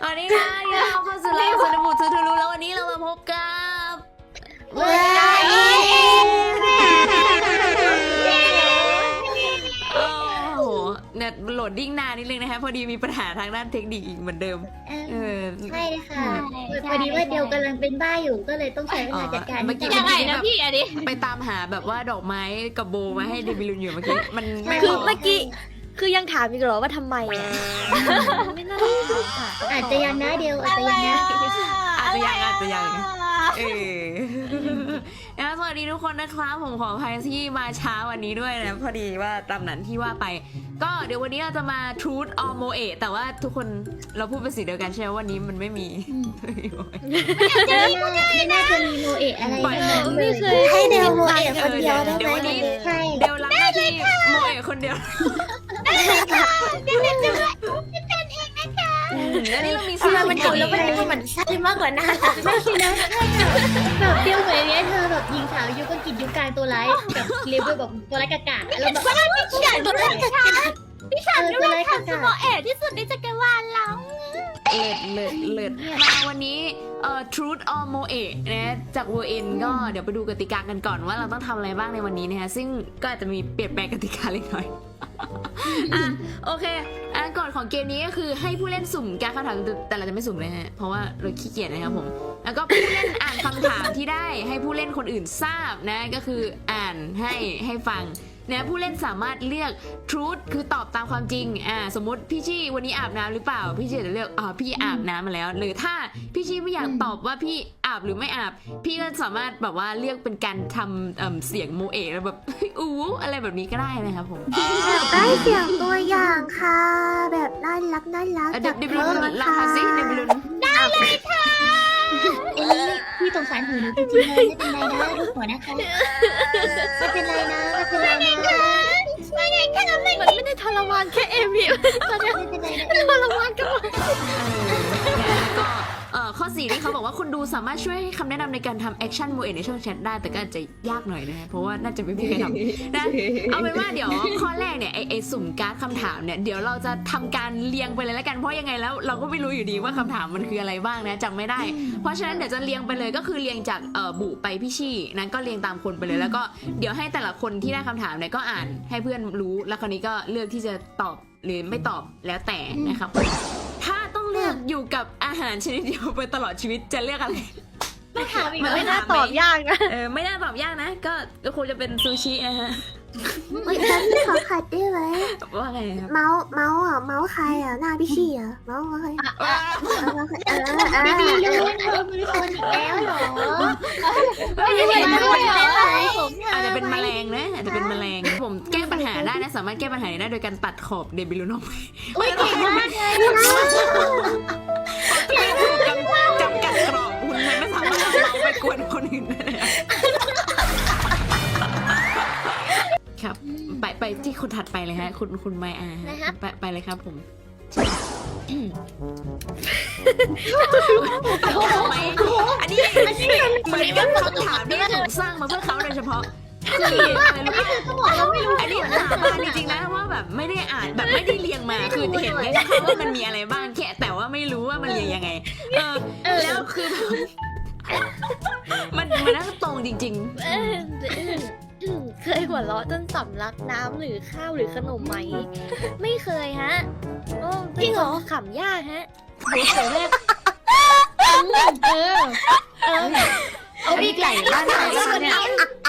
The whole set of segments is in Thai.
วันนี้นะยินดีต้อนรับเข้าสู่รายการสนบุตรทูรู้แล้ววันนี้เรามาพบกับโอ้โหเน็ตโหลดดิ้งนานนิดนึงนะคะพอดีมีปัญหาทางด้านเทคนิคอีกเหมือนเดิมใช่ค่ะพอดีว่าเดียวกำลังเป็นบ้าอยู่ก็เลยต้องใช้เวลาจัดการเมื่อกี้ยังไงนะพี่อันนี้ไปตามหาแบบว่าดอกไม้กับโบมาให้เดบิลุนอยู่เมื่อกี้มันไม่คือเมื่อกี้คือยังถามอีกเหรอว่าทำไมอ่ะไม่น่าถามค่ะอาจจะยังนะเดียวอาจจะยังนะอาจจะยังสวัสดีทุกคนนะครับผมขออภัยที่มาช้าวันนี้ด้วยนะพอดีว่าตามนั้นที่ว่าไปก็เดี๋ยววันนี้เราจะมา Truth or Moe แต่ว่าทุกคนเราพูดเป็นเสียงเดียวกันใช่ไหมวันนี้มันไม่มีไม่น่าจะมีโมเอะอะไรไม่เคยให้เดียวโมเอะคนเดียวได้ไหมเดี๋ยววันนี้ใช่เดี๋ยวรับหน้าที่โมเอะคนเดียวแล้วนี่เรามีทำไมมันจบแล้วมันดูเหมือนใช่มากกว่าน่าไม่คิดนะแบบเดียวเหมือนเนี้ยเธอแบบยิงสาวยุก็กินยุการตัวร้ายแบบเลเวลแบบตัวร้ายกากาแล้วแบบพี่ฉันตัวแรกพี่ฉันตัวร้ายกากาโมเอะที่สุดในจักรวาลเราเลิศมาวันนี้Truth or Moe นะจาก WN ก็เดี๋ยวไปดูกติกากันก่อนว่าเราต้องทำอะไรบ้างในวันนี้นะคะซึ่งก็อาจจะมีเปลี่ยนแปลงกติกาเล็กน้อยโอเคอันก่อนของเกมนี้ก็คือให้ผู้เล่นสุ่มการคำถามแต่เราจะไม่สุ่มเลยฮะเพราะว่าเราขี้เกียจนะครับผมแล้วก็ผู้เล่นอ่านคำถามที่ได้ให้ผู้เล่นคนอื่นทราบนะก็คืออ่านให้ฟังเนี่ยผู้เล่นสามารถเลือก truth คือตอบตามความจริงสมมติพี่ชี่วันนี้อาบน้ำหรือเปล่าพี่ชี่จะเลือกพี่อาบน้ำมาแล้วหรือถ้าพี่ชี่ไม่อยากตอบว่าพี่อาบหรือไม่อาบพี่ก็สามารถแบบว่าเลือกเป็นการทำเสียงโมเอะแล้วแบบอู้อะไรแบบนี้ก็ได้นะครับผมได้เสียงตัวอย่างค่ะแบบน่ารักเดี๋ยวลองทำซิเดี๋ยวได้เลยค่ะพี่สงสารหูหนูจริงๆเลยไม่เป็นไรนะทุกหัวนะคะไม่เป็นไรนะไม่เป็นไรนะไม่ไงแค่นั้นไม่มันไม่ได้ทรมานแค่เอมี่ไม่เป็นไรนะทรมานกันหมดก็ข้อ4ที่เขาบอกว่าคุณดูสามารถช่วยให้คำแนะนำในการทำแอคชั่นโมเอะในช่องแชทได้แต่ก็อาจจะยากหน่อยนะเพราะว่าน่าจะไม่มีใครทำนะเอาเป็นว่าเดี๋ยวข้อแรกเนี่ยไอสุ่มการ์ดคำถามเนี่ยเดี๋ยวเราจะทำการเรียงไปเลยแล้วกันเพราะยังไงแล้วเราก็ไม่รู้อยู่ดีว่าคำถามมันคืออะไรบ้างนะจำไม่ได้เพราะฉะนั้นเดี๋ยวจะเรียงไปเลยก็คือเรียงจากบุไปพี่ชี่นั้นก็เรียงตามคนไปเลยแล้วก็เดี๋ยวให้แต่ละคนที่ได้คำถามเนี่ยก็อ่านให้เพื่อนรู้แล้วคราวนี้ก็เลือกที่จะตอบหรือไม่ตอบแล้วแต่นะครับถ้าต้องเลือกอยู่กับอาหารชนิดเดียวไปตลอดชีวิตจะเลือกอะไรไม่ถามอีกไม่น่าตอบยากนะไม่น่าตอบยากนะก็คงจะเป็นซูชินะฮะไม่ฉันขอขัดได้ไหมว่าไงครับเมาส์เมาส์ใครอ่ะหน้าพี่ชี่อ่ะเมาส์ใครไม่มีเรื่องเธอมีคนอีกแล้วเหรอไม่เห็นด้วยอาจจะเป็นแมลงนะอาจจะเป็นแมลงผมแก้ปัญหาได้นะสามารถแก้ปัญหาได้โดยการตัดขอบเดบิลูนออกไปโอ้ยเก่งมากเลยจำกัดกรอบคุณไม่สามารถเอาไปกวนคนอื่นได้ครับไปที่คนถัดไปเลยฮะคุณไมอาไปเลยครับผมอันนี้เหมือนกับคำถามที่ถูกสร้างมาเพื่อเขาโดยเฉพาะอันนี้ถามมาจริงๆนะว่าแบบไม่ได้อ่านแบบไม่ได้เรียงมาคือเห็นไหมว่ามันมีอะไรบ้างแค่แต่ว่าไม่รู้ว่ามันเรียงยังไงแล้วคือมันน่าตรงจริงเคยหัวเราะจนสำลักน้ำหรือข้าวหรือขนมไหมไม่เคยฮะจริงเหรอขำยากฮะเดี๋ยวแรกเอาอีกไหลบ้านไหนบ้านเนี่ย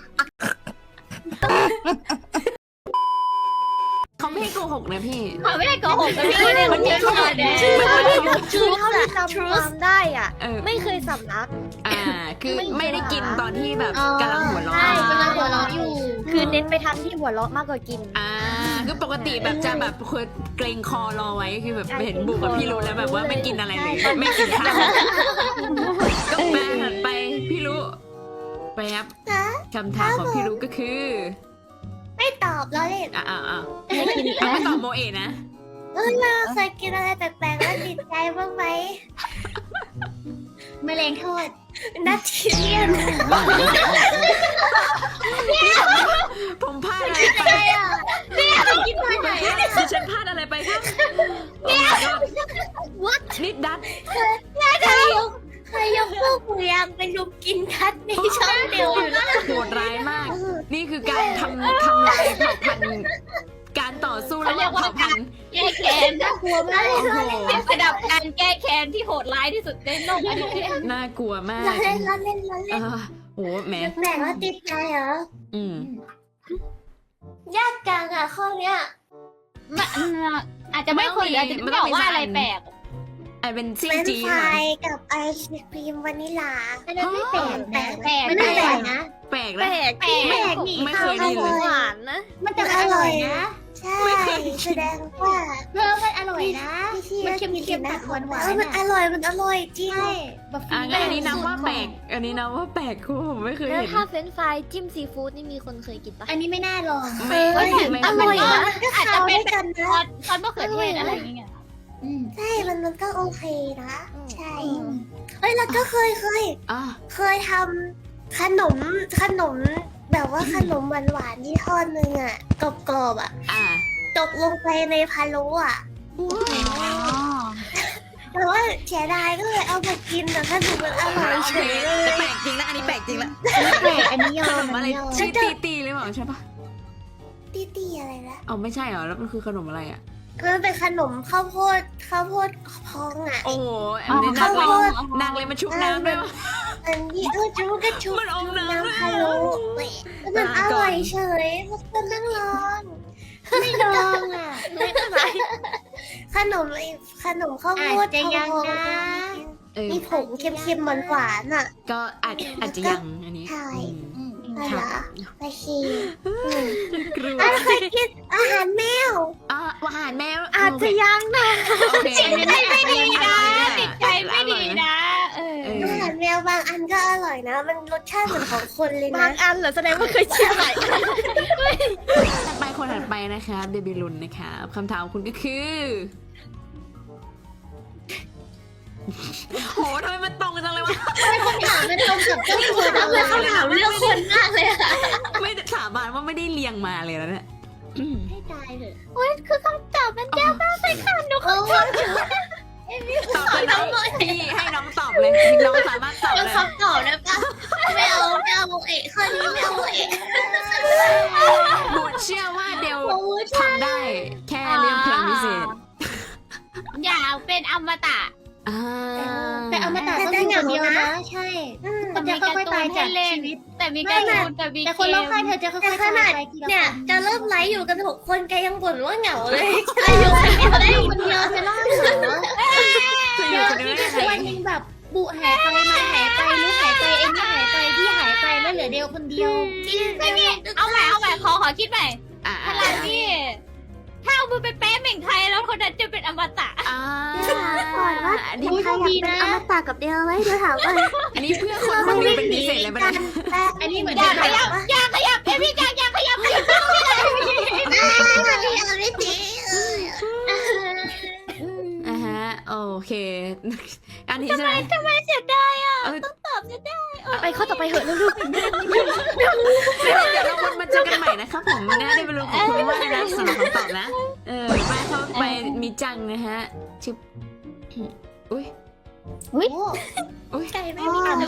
เขาไม่ให้โกหกนะพี่เขาไม่ให้โกหกนะพี่เนี่ยมันเยอะมากเลยชื่อเท่าที่จำความได้อ่ะไม่เคยสำลักคือไม่ได้กินตอนที่แบบกำลังหัวเราะกำลังหัวเราะอยู่คือเน้นไปทางที่หัวเราะมากกว่ากินคือปกติแบบจะแบบคือเกรงคอรอไว้คือแบบเห็นบุกกับพี่รู้แล้วแบบว่าไม่กินอะไรเลยไม่กินข้าวก็แปลหันไปพี่รู้ไปครับคำถามของพี่รู้ก็คือไม่ตอบแล้วเลยไม่ตอบโมเอะนะเราเคยกินอะไรแปลกๆแล้วติดใจบ้างไหมแมลงทอดนัทเทียนผมพลาดอะไรไปกินมาไหนดิฉันพลาดอะไรไปครับโอ้ my god นิดดัดใครยกพวกหมูยางไปลุมกินทัดในช่องเดียวอยู่แล้วโหดร้ายมาก นี่คือการทำลายเผ่าพันธุ์การต่อสู้ระหว่างเผ่าพันธุ์แก้แค้นน่ากลัวมากเลยโอ้โหเป็นระดับการแก้แค้นที่โหดร้ายที่สุดในโลกอันนี้น่ากลัวมากเราเล่นโอ้แหมแม่ว่าติดใจเหรออืมยากจังอ่ะข้อเนี้ยอาจจะไม่คนอาจจะไม่บอกว่าอะไรแปลกไอเป็นซีเป็นจีไฟมากับไอศครีมวานิลาอันนั้นไม่แปลกแปลกไม่ได้แปลกนะแปลกแปนะลกแปลกแปลกนี่ไม่เคยได้เลยหวานนะมันจะอร่อยนะ ใช่แสดงว่ามันอร่อยนะมันเค็มๆนะหวานมันอร่อยจริงอ่ะงั้นอันนี้นับว่าแปลก อันนี้นับว่าแปลกคือผมไม่เคยแล้วเห็นถ้าเฟรนช์ฟรายจิ้มซีฟู้ดนี่มีคนเคยกินปะอันนี้ไม่น่าลองไม่ไม่อร่อยไม่นะก็อาจจะเข้าเป็ด้นวยกันซนะอสมะเขือเทศอะไรอย่างเงี้ยใช่มันก็โอเคนะ ใช่เอ้ยแล้วก็เคยอ่ะทำขนมแบบว่าขนมหวานๆที่ทอดนึงอ่ะกรอบๆอ่ะอ่ะตกลงไปในพะโล้อ่ะแต่ว่าเสียดายก็เลยเอามากินแต่ขนมมันอร่อยโอเฉเคยเลยแต่แปลกจริงนะอันนี้แปลกจริงละแปลกอันนี้ยขอน มมอะไรชื่อตีหรือเปล่าใช่ปะตี้อะไรนะอ๋อไม่ใช่เหรอแล้วมันคือขนมอะไรอ่ะมันเป็นขนมข้าวโพดพองอ่ะโอ้โหอันนี้นางเลยนางเลยมาชุบน้ำด้วยวะอันนี้จุ๊กก็ชุบมันอมน้ำด้วยน้ำพะโล้แล้วมันอร่อยเฉยพวกคนนั่งร้อนไม่ลองอ่ะไม่เป็นไรขนมข้าวโพดพองเออมีผงเค็มๆหวานๆอ่ะก็อาจจะยังอันนี้ใช่อืมอะไรล่ะไปชีกลัวเคยกินอาหารแมวอ่ะอาหารแมวอาจจะยังนะโอเคไม่ดีนะติดใจไม่ดีนะเอออาหารแมวบางอันก็อร่อยนะ มันรสชาติเหมือนของคนเลยบานะงอันเหรอแสดงว่าเคยชิมหลายอันถัดไปคนถัดไปนะครับเดบิลุนนะครับคำถามของคุณก็คือ โหทำไมมันตรงจังเลยวะคำถามมันตรงกับเจ้าตัวจังเลยคำถามเรื่องคนมากเลยอะไม่สาบานว่าไม่ได้เรียงมาเลยแล้วเนี่ยให้ตายเถอะโอ้ยคือคำตอบมันยากมากเลยค่ะหนูโอ้ยตอบเลยนะพี่ให้น้องตอบเลยน้องสามารถตอบเป็นเลยคำตอบได้ปะไม่เอาเอะข้อนี้ไม่เอาเอะบูดเชื่อว่าเดลทำได้แค่เรื่องพลังพิเศษอยากเป็นอมตะอ่าแต่อมตะต้องอยู่คนเดียวนะใช่แต่มีการ์ตูนให้เล่นแต่มีการ์ตูนแต่มีแต่เกคนรอบมข้างเธอจะค่อยๆตายไปเนี่ยจะเริ่มไลฟ์อยู่กัน6 คนแกยังบ่นว่าเหงาเลยจะอยู่คนเดียวได้อยู่คนเดียวจะรอดเหรอคืออยู่คนเดียวได้คือไงวันนึงแบบบุหายไปมาหายไปรู้หายไปเอ็มมี่หายไปพี่หายไปแล้วเหลือเดียวคนเดียวจริงไม่มีเอาใหม่ขอคิดใหม่อ่าพลังที่ถ้าเอามือไปแป๊ะเหม่งไทยแล้วคนนั้นจะเป็นอมตะอ่าก่อนว่าอันนี้ใครอยากเป็นอมตะกับเดียวไว้เดี๋ยวถามก่อนอันนี้เพื่อคนคนหนึงเป็นพิเศษเลยปะเนี่ยอันนี้เหมือนอจะย่าขแบบยับว่าอย่าขยับพี่อย่าขยับไม่ตีอ่าฮะโอเค อันนี้ใช่ไหมทำไมเสียดายอ่ะเออต้องตอบเสียดายไปข้อต่อไปเหอะลูกเดี๋ยวเราวนมาเจอกันใหม่นะครับผมนะได้ไปรู้ขอบคุณมากเลยนะสำหรับคำตอบนะไปเขาไปมีจังนะฮะชิบอุ้ย อุ้ยใจไม่มีการ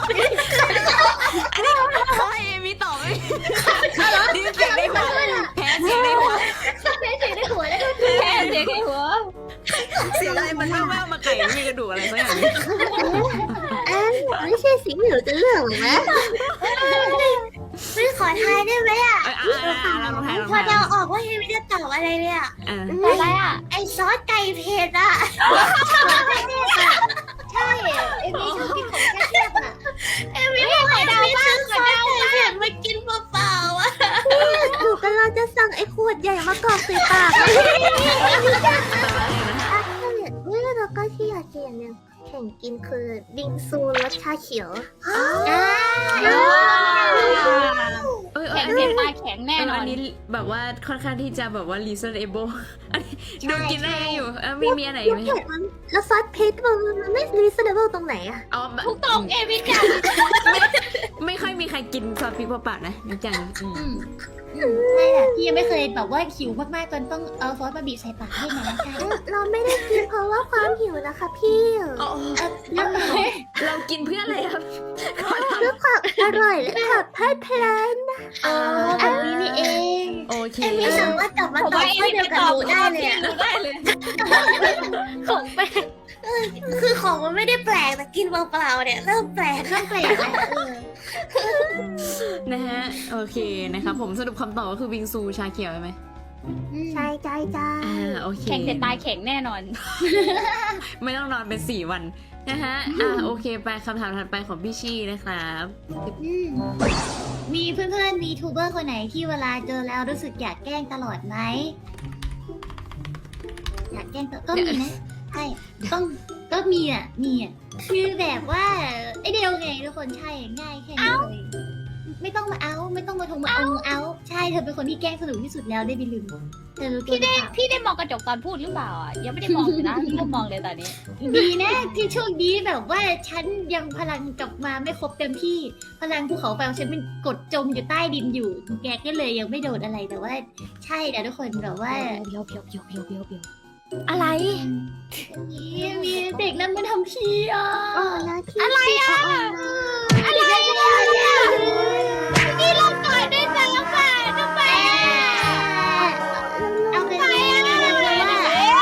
เขาให้เอมี่ตอบไม่ดีเสียงในหัวแพ้เสียงในหัวไม่เสียได้หัวแล้วแค่เด็กไอ้หัวเสียงอะไรมันแว่วๆมาไก่ไม่มีกระดูกอะไรสักอย่างไม่ใช่สิ่งที่หนูจะเลือกหรอกนะไม่ขอทายได้ไหมอ่ะเราลองทายพอเราออกว่าเฮมิจะตอบอะไรเลยอ่ะอะไรอ่ะไอซอสไก่เผ็ดอ่ะใช่เอมี่ชอบกินของแซ่บๆอ่ะเอมี่บอกว่าเอมี่ซื้อซอสไก่เผ็ดมากินเปล่าๆอ่ะหนูกำลังจะสั่งไอ้ขวดใหญ่มากรอกใส่ปากแล้วก็ที่อยากกินเนี่ยแข่งกินคือบิงซูรสชาเขียวแข็งเห็นตาแข็งแน่นออันนนี้แบบว่าค่อนข้างที่จะแบบว่า reasonable อันนี้ดูกินได้อยู่มีอันไหนไหมเผ็ดมันแล้วซอสเผ็ดมันไม่ reasonable ตรงไหนอะอ๋อทุกตรงเอวินจังไม่ค่อยมีใครกินซอสพริกเปล่าๆนะจริงจังใช่แหละพี่ยังไม่เคยแบบว่าหิวมากๆจนต้องเอาซอสมาบีบใส่ปากให้นะใช่เราไม่ได้กินเพราะว่าความหิวนะคะพี่อ๋อแล้วเรากินเพื่ออะไรครับเพื่อความอร่อยและความเพลิดเพลินอ๋อแบบนี้นี่เองโอเคไม่สามารถกลับมาผมตอบว่าเอข้อวินเดียวไปกับตอบหนูได้เลยอะรู้ได้เลยของแปลกคือของมันไม่ได้แปลกแต่กินเปล่าๆเนี่ยเริ่มแปลกแล้วนะฮะโอเคนะครับผมสรุปคำตอบก็คือวิงซูชาเขียวใช่ไหมใช่ใช่ใช่โอเคแข่งเสร็จตายแข่งแน่นอนไม่ต้องนอนเป็น4 วันนะฮะโอเคไปคำถามถัดไปของพี่ชี่นะครับมีเพื่อนๆมีทูเบอร์คนไหนที่เวลาเจอแล้วรู้สึกอยากแกล้งตลอดไหมอยากแกล้งก็มีนะใช่ต้องก็มีอ่ะคือแบบว่าไอเดียวไงทุกคนใช่ง่ายแค่นี้เลยไม่ต้องมาไม่ต้องมาทงมาเอาใช่เธอเป็นคนที่แกล้งสนุกที่สุดแล้วได้บิลืมเธอรู้ตัวหรือเปล่าพี่ได้มองกระจกตอนพูดหรือเปล่าอ่ะยังไม่ได้มองเลยนะเริ่มมองเลยตอนนี้ดีนะที่โชคดีแบบว่าฉันยังพลังกลับมาไม่ครบเต็มที่พลังภูเขาไฟของฉันมันกดจมอยู่ใต้ดินอยู่แกก็เลยยังไม่โดนอะไรแต่ว่า ใช่แต่ทุกคนแบบว่าเบียวอะไรมีเด็กนั้นมาทำพี่อ่ะอะไรอ่ะอะไรอ่ะนี่เราก่อนได้จ้าค่ะทำไมเอาไปเลยทำไมอ่ะ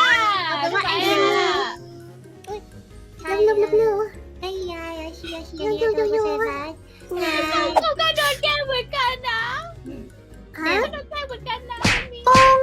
ใช่ลืมไอ้ยายเชียร์ตัวเซฟายเขาก็โดนแกล้งเหมือนกันนะฮะโดนแกล้งเหมือนกันนะปอง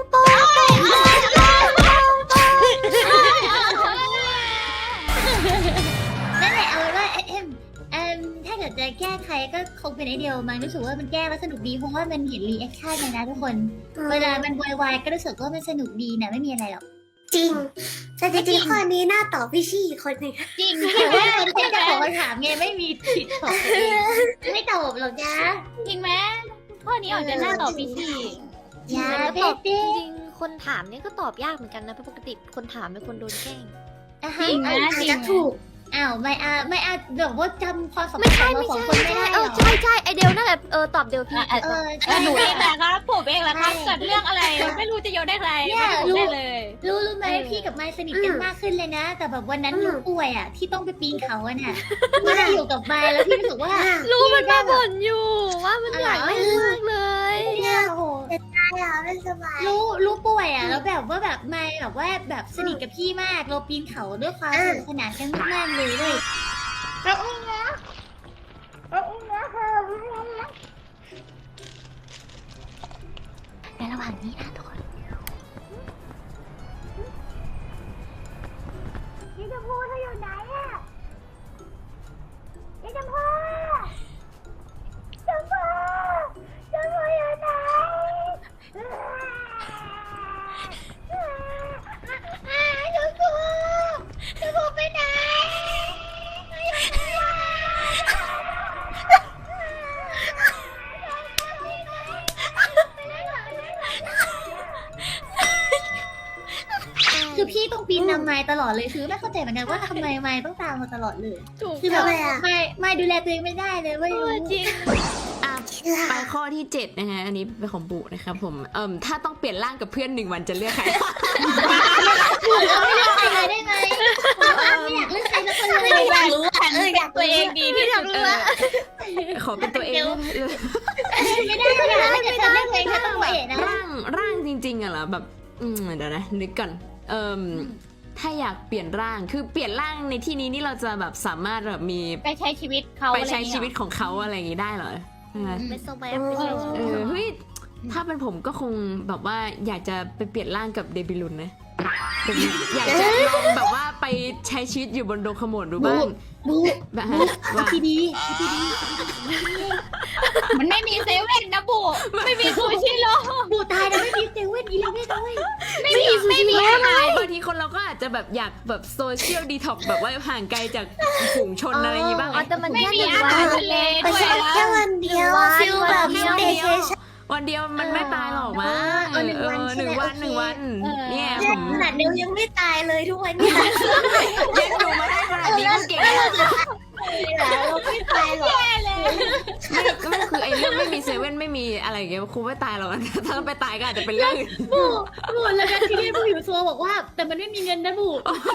นั่นแหละเอาไว้ว่าถ้าเกิดจะแก้ใครก็คงเป็นไอเดียวมันรู้สึกว่ามันแก้แล้วสนุกดีเพราะว่ามันเห็นรีแอคชั่นเลยนะทุกคน เวลามันวายก็รู้สึกว่ามันสนุกดีนะไม่มีอะไรหรอกจริง แต่จริงๆข้อนี้น่าตอบพี่ชี่อีกคนหนึงจริงแต่ว่าคนที่จะขอคำถามไงไม่มีสิทธิ์ตอบตัวเองไม่ตอบหรอกจ้าจริงไหมข้อนี้ออกจะน่าตอบพี่ชีอย่าแล้วเป๊ตอบจะริงๆคนถามเนี่ยก็ตอบยากเหมือนกันนะเพราะปกติคนถามเป็นคนโดนแกล้งจริงนะอาจจริจะงถูกอ้าวไม่แบบว่าจำความสัมพัไม่นธ์ใช่ของไม่เราสองใช่คนไม่ได้เอหรออใช่ไอเดียวนั่นแหละตอบเดียวพี่หนูเองแหละครับผมเองแหละครับเกิดเรื่องอะไรไม่รู้จะโยนได้ใครไม่รู้ได้เลยรู้ไหมพี่กับไมค์สนิทกันมากขึ้นเลยนะ แต่แบบวันนั้นลูกป่วยอ่ะที่ต้องไปปีนเขาอ่ะน่ะพี่ได้อยู่กับไมค์แล้วพี่รู้สึกว่ารู้มันมาบ่นอยู่ว่ามันอยากเล่นมากเลยเนี่ยโอ้โหใช่ค่ะไม่สบายรู้ป่วยอ่ะแล้วแบบว่าแบบไมค์แบบว่าแบบสนิทกับพี่มากเราปีนเขาด้วยความสนุกสนานกันมากๆเลยเว้ย ในระหว่างนี้นะทุกคนนี่ชมพูเธออยู่ไหนอะนี่ชมพูอยู่ไหนชมพูไปไหนคือพี่ต้องปีนนำไม้ตลอดเลยคือไม่เข้าใจเหมือนกันว่าทำไมไม้ต้องตามมาตลอดเลยถูกคือแบบไม่ดูแลตัวเองไม่ได้เลยเว้ยจริงไปข้อที่7นะฮะอันนี้เป็นของบุนะครับผมถ้าต้องเปลี่ยนร่างกับเพื่อน1 วันจะเลือกใครเราไม่เลือกใครเลยได้ไหมไม่อยากเลือกใครสักคนเลยอยากรู้ว่าอยากตัวเองดีที่สุดขอเป็นตัวเองไม่ได้ค่ะถ้าเกิดเธอเลือกเองเธอต้องเอะนะร่างจริงๆอะเหรอแบบเดี๋ยวนะนึกก่อนถ้าอยากเปลี่ยนร่างคือเปลี่ยนร่างในที่นี้นี่เราจะแบบสามารถแบบมีไปใช้ชีวิตเขาไปใช้ชีวิตของเขาอะไรอย่างงี้ได้เหรอไม่สบายไม่ใช่เฮ้ยถ้าเป็นผมก็คงแบบว่าอยากจะไปเปลี่ยนร่างกับเดบิลุนนะผมอยากจะลองแบบว่าไปใช้ชีวิตอยู่บนโดคาโมดดูบ้างบูแบบฮะว่าทีดีมันไม่มีเซเว่นนะบุไม่มีซูชิโร่บูตายแล้วไม่มีเซเว่นอีเลฟเว่นด้วยไม่มีอาหารบางทีคนเราก็อาจจะแบบอยากแบบโซเชียลดีท็อกแบบว่าห่างไกลจากฝูงชนอะไรอย่างงี้บ้างอ๋อแต่มันไม่แค่มี 1 อาวัหารนทะเลไปด้วยใช้นะแค่วันเดียวฟิลแบบสเตย์เคชั่นวันเดียวมันไม่ตายหรอกมั้งหนึ่งวันเนี่ยผมขนาดเดียวยังไม่ตายเลยทุกวันเนี่ยยังอยู่มาได้ขนาคงไม่ตายหรอก ถ้าไปตายก็อาจจะเป็นเรื่องอื่นบูแล้วกันที่ผู้อยู่ซัวบอกว่า แต่มันไม่มีเงินนะบู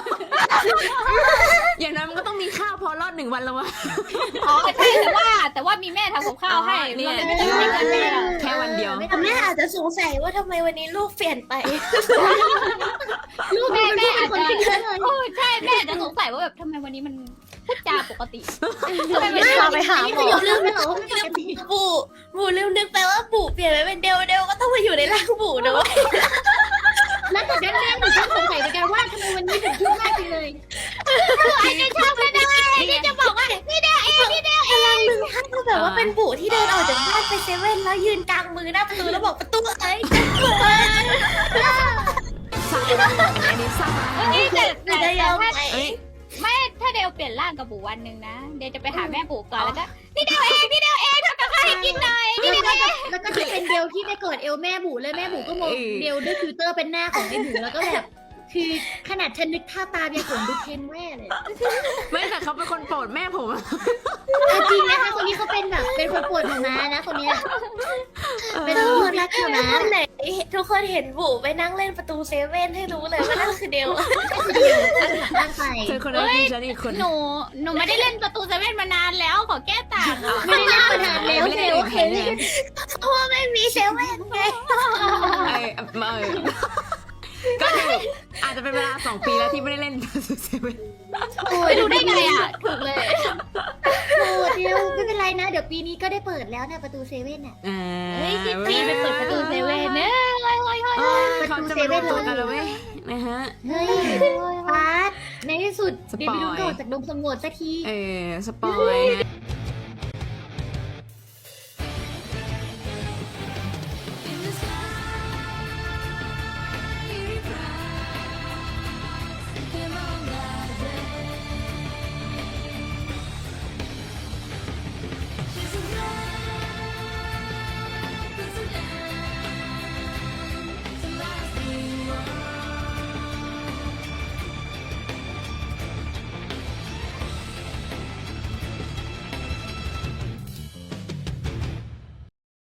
อย่างนั้นมันก็ต้องมีข้าวพอรอด1 วันแล้ววะอ๋อใช่แต่ว่ามีแม่ทำกับข้าวให้เนี่ยเราเลยไม่ต้องให้เงินแม่หรอกแค่วันเดียวแต่แม่อาจจะสงสัยว่าทำไมวันนี้ลูกเปลี่ยนไปลูกเป็นคนคิดเยอะเลยโอ้ใช่แม่จะสงสัยว่าแบบทำไมวันนี้มันพูดจาปกติทำไมไม่พาไปหานี่หมคืออยกเรื่องไม่หรอว่าไม่ปกติปู่ลืมนึกไปว่าปู่เปลี่ยนไปเป็นเดลก็ต้องมาอยู่ในร่างปู่นะเว้ยแล้วแต่ด้านแรกหนูก็สงสัยเหมือนกันว่าทำไมวันนี้ถึงพูดมากจังเลยนี่จะบอกว่านี่เดียวเองนี่เดียวพลังหนึ่งท่านก็แบบว่าเป็นปู่ที่เดินออกจากบ้านไปเซเว่นแล้วยืนกลางมือหน้าประตูแล้วบอกประตูเอ้ยสร้างอันนี้สร้างนี่แต่จะยอมถ้าเอ้ยไม่ถ้าเดลเปลี่ยนร่างกับปู่วันหนึ่งนะเดลจะไปหาแม่ปู่ก่อนแล้วก็นี่เดียวเองทำกับข้าวให้กินหน่อยแล้วก็จะเป็นเดลที่ไปกอดเอวแม่บูแล้วแม่บูก็มองเดลด้วยฟิลเตอร์เป็นหน้าของไอ้บูแล้วก็แบบ คือขนาดฉันนึกท่าตามยังขนลุกเทนแม่เลยไม่แต่เขาเป็นคนโปรดแม่ผมอะจริงนะคะคนนี้เขาเป็นแบบเป็นคนปวดของน้านะคนเนี้ยเป็นคนรักอยู่นะท่านไหนทุกคนเห็นปู่ไปนั่งเล่นประตูเซเว่นให้รู้เลยว่านั่นคือเดลเดียวร่างไปเธอคนนั้นคือฉันอีกคนหนูไม่ได้เล่นประตูเซเว่นมานานแล้วขอแก้ต่างค่ะไม่ได้เล่นมานานแล้วไม่ได้เดลเล่นแค่นี้เพราะว่าไม่มีเซเว่นไงก็คืออาจจะเป็นเวลา2 ปีแล้วที่ไม่ได้เล่นเซเว่นไม่รู้ได้ไงอ่ะถูกเลยโอ้เดียวไม่เป็นไรนะ เดี๋ยวปีนี้ก็ได้เปิดแล้วนะประตูเซเว่นอ่ะเฮ้ยพี่ปีไปเปิดประตูเซเว่นเนี่ยเฮ้ยเขาจะมาลงกันแล้วเว้ยนะฮะเฮ้ยปาร์ตในที่สุดเดี๋ยวไปดูก่อนจากดงสำรวจสักทีสปอย